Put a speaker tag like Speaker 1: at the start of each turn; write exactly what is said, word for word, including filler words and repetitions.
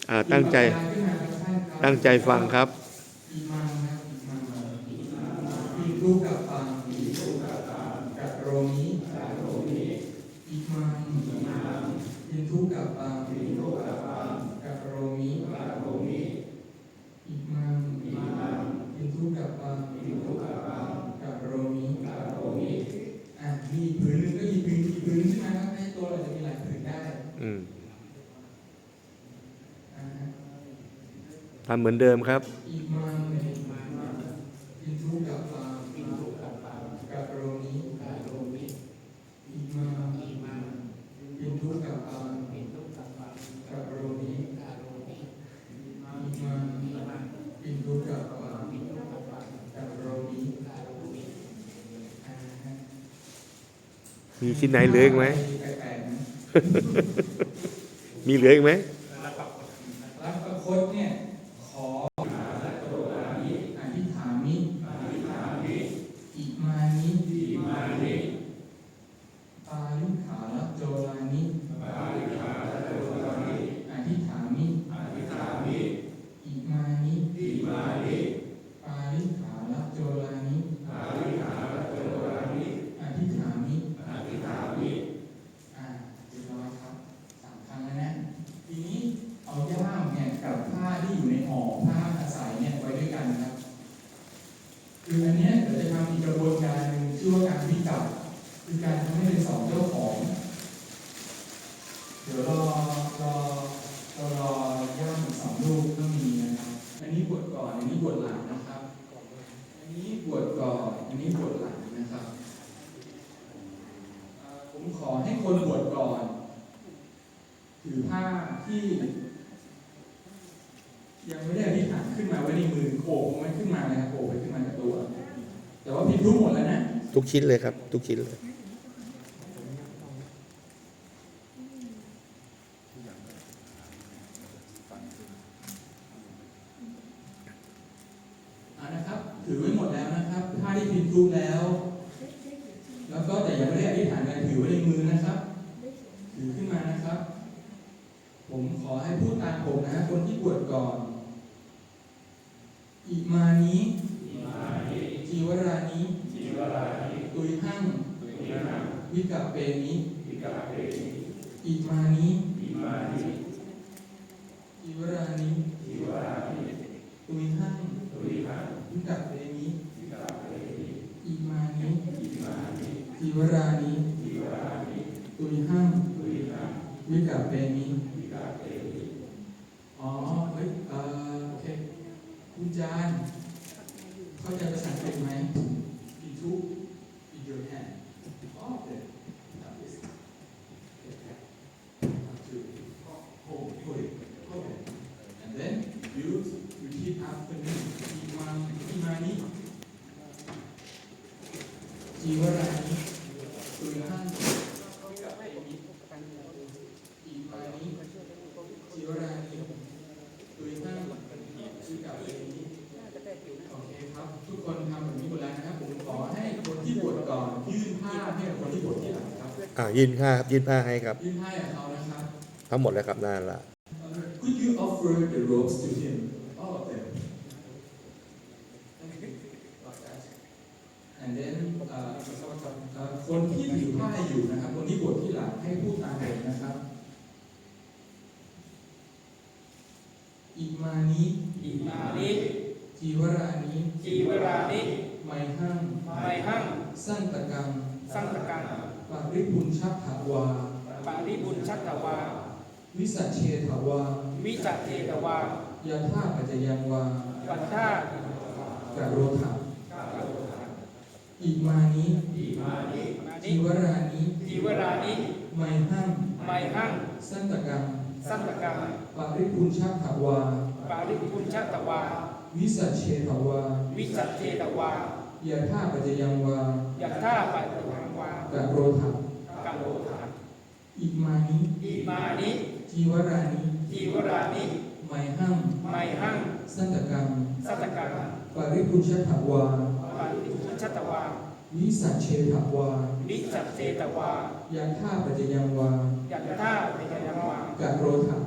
Speaker 1: อ่าตั้งใจตั้งใจฟังครับ
Speaker 2: อิมังครับอิมังอิทุกับปังกับโรมิอิมังอิทุกับปังกับโรมิอิมังอิทุกับปังกับโรมิอ่ะมีผืนหนึ่งก็หยิบผืนอีกผืนใช่ไหมครับในตัวเราจะมีหลายผืนได้
Speaker 1: อืม
Speaker 2: อ่า
Speaker 1: ทำเหมือนเดิมครับ
Speaker 2: อิมังอิทุกับปังกับโรมิอิมังอิทุกับปังกับโรมิอิมังอิทุกับปังกับโรมิอ่าฮะ
Speaker 1: มีชิ้นไหนเหลืออีกไหม
Speaker 2: แปลกๆนะ
Speaker 1: มีเหลืออีกไหม
Speaker 2: รักประคตเนี่ยขออธิษฐามิอิมานิปาลิขาลโจลานิอธิษฐามิอิมานิปาลิขาลโจลานิอธิษฐามิอ่าเรียบร้อยครับสามครั้งแล้วนะทีนี้เอาย่ามเนี่ยกับผ้าที่อยู่ในห่อผ้าอาศัยเนี่ยไว้ด้วยกันนะครับคืออันเนี้ยเดี๋ยวจะทำอีกกระบวนการหนึ่งชื่อว่าการวิจับคือการทำให้เป็นสองเจ้าของ เดี๋ยวรอรอรอรอย่ามอีกสองลูกก็มีนะครับอันนี้บวชก่อนอันนี้บวชหลังนะครับอันนี้บวชก่อนอันนี้บวชหลังนะครับผมขอให้คนบวชก่อนถือผ้าที่ยังไม่ได้อธิษฐานขึ้นมาไว้ในมือโอบมันขึ้นมาเลยครับโอบไปขึ้นมากับตัวแต่ว่าพิมพ์ทุกหมดแล้วนะ
Speaker 1: ทุกชิ้นเลยครับ ทุกชิ้นเลย
Speaker 2: นะครับถือไว้หมดแล้วนะครับผ้าที่พิมพ์ทุกแล้วแล้วก็แต่ยังไม่ได้อธิษฐานกันถือไว้ในมือนะครับถือขึ้นมานะครับผมขอให้พูดตามผมนะคนที่บวชก่อนอิมานิจีวรานิตุยหั่งวิกัปเปนิอิมานิจีวรานิตุยหั่งวิกัปเปนิอิมานิจีวรานิตุยหั่งวิกัปเปนิอ๋อเฮ้ยเอ่อโอเคคุณจานเข้าใจภาษาอังกฤษไหมอีทุก in your hand oh okay that is okay to hold hold it okay and then you repeat after me iman imani jiwarani tuhan imani jiwaraniตุยหั่งวิกัปเปนิโอเคครับทุกคนทำแบบนี้หมดแล้วนะครับผมขอให้คนที่บวชก่อนยื่นผ้าให้กับคนที่บวชทีหลังครับ
Speaker 1: อ่ายื่นผ้าครับยื่นผ้าให้ครับ
Speaker 2: ยื่นผ้าให้กับเขานะครับ
Speaker 1: ทั้งหมดแล้วครับนั่นละ
Speaker 2: Could you offer the robes to him all of them and then เอ่อเอ่อคนที่ถือผ้าอยู่นะครับคนที่บวชที่หลังให้พูดตามผมนะครับอิมานิ
Speaker 3: อิมานิ
Speaker 2: จีวรานิ
Speaker 3: จีวรานิ
Speaker 2: ไมหั่ง
Speaker 3: ไมหั่ง
Speaker 2: สันตะกัง
Speaker 3: สังตกัง
Speaker 2: ปาริปุญชัพภวา
Speaker 3: ปาริบุญชัตตวา
Speaker 2: วิสัชเชทวา
Speaker 3: วิจัตเทตวาย
Speaker 2: าธาปัจจยังวา
Speaker 3: ปัตตาก
Speaker 2: โรธาอิมานิ
Speaker 3: อิมานิ
Speaker 2: จีวรานิ
Speaker 3: จีวรานิ
Speaker 2: ไมหั่ง
Speaker 3: ไมหั่ง
Speaker 2: สันตะกัง
Speaker 3: สังตกัง
Speaker 2: ปาริปุญชัพภวา
Speaker 3: ปาริบุญชัตตวา
Speaker 2: วิสัชเชทวา
Speaker 3: วิจัตเทตวาย
Speaker 2: าธาปัจจยังวา
Speaker 3: ยัตถาปัตตังวาก
Speaker 2: โรธา
Speaker 3: กัโลธา
Speaker 2: อิมานิ
Speaker 3: อิมานิ
Speaker 2: จีวรานิ
Speaker 3: จีวรานิ
Speaker 2: ไมหั่ง
Speaker 3: ไมหั่ง
Speaker 2: สันตะกัง
Speaker 3: สังตกัง
Speaker 2: ปาริปุญชัพภวา
Speaker 3: ปาริบุญชัตตวา
Speaker 2: วิสัชเชทวา
Speaker 3: วิจัตเทตวาย
Speaker 2: าธาปัจจยังวา
Speaker 3: ยัตถาปัตตังวาก
Speaker 2: โรธา